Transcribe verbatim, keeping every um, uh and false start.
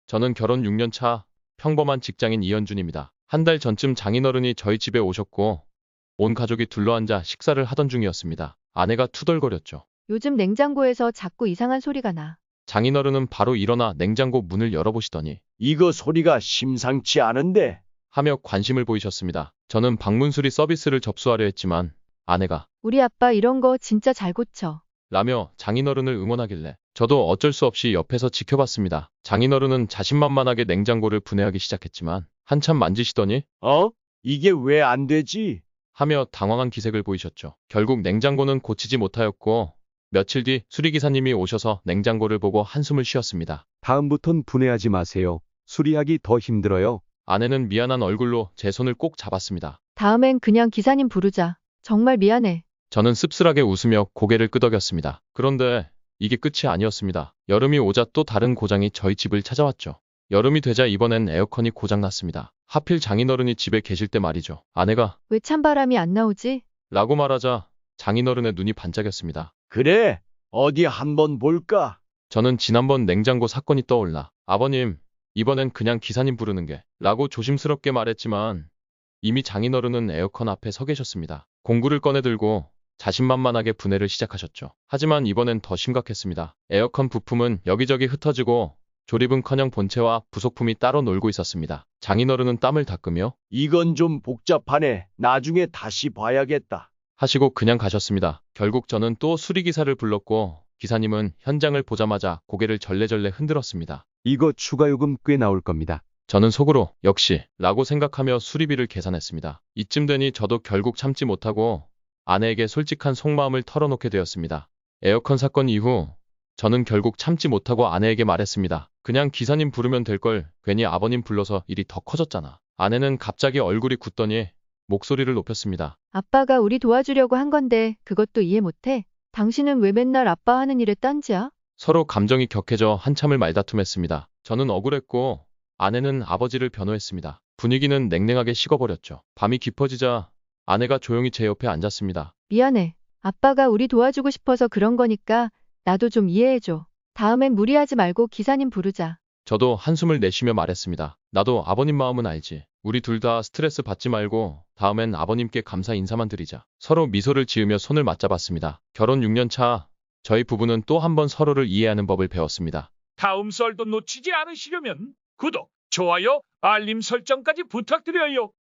저는 결혼 육 년 차 평범한 직장인 이현준입니다. 한 달 전쯤 장인어른이 저희 집에 오셨고 온 가족이 둘러앉아 식사를 하던 중이었습니다. 아내가 투덜거렸죠. 요즘 냉장고에서 자꾸 이상한 소리가 나. 장인어른은 바로 일어나 냉장고 문을 열어보시더니 이거 소리가 심상치 않은데. 하며 관심을 보이셨습니다. 저는 방문 수리 서비스를 접수하려 했지만 아내가 우리 아빠 이런 거 진짜 잘 고쳐. 라며 장인어른을 응원하길래 저도 어쩔 수 없이 옆에서 지켜봤습니다. 장인어른은 자신만만하게 냉장고를 분해하기 시작했지만 한참 만지시더니 어? 이게 왜 안 되지? 하며 당황한 기색을 보이셨죠. 결국 냉장고는 고치지 못하였고 며칠 뒤 수리기사님이 오셔서 냉장고를 보고 한숨을 쉬었습니다. 다음부턴 분해하지 마세요. 수리하기 더 힘들어요. 아내는 미안한 얼굴로 제 손을 꼭 잡았습니다. 다음엔 그냥 기사님 부르자. 정말 미안해. 저는 씁쓸하게 웃으며 고개를 끄덕였습니다. 그런데 이게 끝이 아니었습니다. 여름이 오자 또 다른 고장이 저희 집을 찾아왔죠. 여름이 되자 이번엔 에어컨이 고장났습니다. 하필 장인어른이 집에 계실 때 말이죠. 아내가 왜 찬바람이 안 나오지? 라고 말하자 장인어른의 눈이 반짝였습니다. 그래, 어디 한번 볼까? 저는 지난번 냉장고 사건이 떠올라 아버님, 이번엔 그냥 기사님 부르는 게 라고 조심스럽게 말했지만 이미 장인어른은 에어컨 앞에 서 계셨습니다. 공구를 꺼내들고 자신만만하게 분해를 시작하셨죠. 하지만 이번엔 더 심각했습니다. 에어컨 부품은 여기저기 흩어지고 조립은커녕 본체와 부속품이 따로 놀고 있었습니다. 장인어른은 땀을 닦으며 이건 좀 복잡하네. 나중에 다시 봐야겠다. 하시고 그냥 가셨습니다. 결국 저는 또 수리기사를 불렀고 기사님은 현장을 보자마자 고개를 절레절레 흔들었습니다. 이거 추가 요금 꽤 나올 겁니다. 저는 속으로 역시 라고 생각하며 수리비를 계산했습니다. 이쯤 되니 저도 결국 참지 못하고 아내에게 솔직한 속마음을 털어놓게 되었습니다. 에어컨 사건 이후 저는 결국 참지 못하고 아내에게 말했습니다. 그냥 기사님 부르면 될걸 괜히 아버님 불러서 일이 더 커졌잖아. 아내는 갑자기 얼굴이 굳더니 목소리를 높였습니다. 아빠가 우리 도와주려고 한 건데 그것도 이해 못해? 당신은 왜 맨날 아빠 하는 일에 딴지야? 서로 감정이 격해져 한참을 말다툼했습니다. 저는 억울했고 아내는 아버지를 변호했습니다. 분위기는 냉랭하게 식어버렸죠. 밤이 깊어지자 아내가 조용히 제 옆에 앉았습니다. 미안해. 아빠가 우리 도와주고 싶어서 그런 거니까 나도 좀 이해해줘. 다음엔 무리하지 말고 기사님 부르자. 저도 한숨을 내쉬며 말했습니다. 나도 아버님 마음은 알지. 우리 둘 다 스트레스 받지 말고 다음엔 아버님께 감사 인사만 드리자. 서로 미소를 지으며 손을 맞잡았습니다. 결혼 육 년 차 저희 부부는 또 한 번 서로를 이해하는 법을 배웠습니다. 다음 썰도 놓치지 않으시려면 구독, 좋아요, 알림 설정까지 부탁드려요.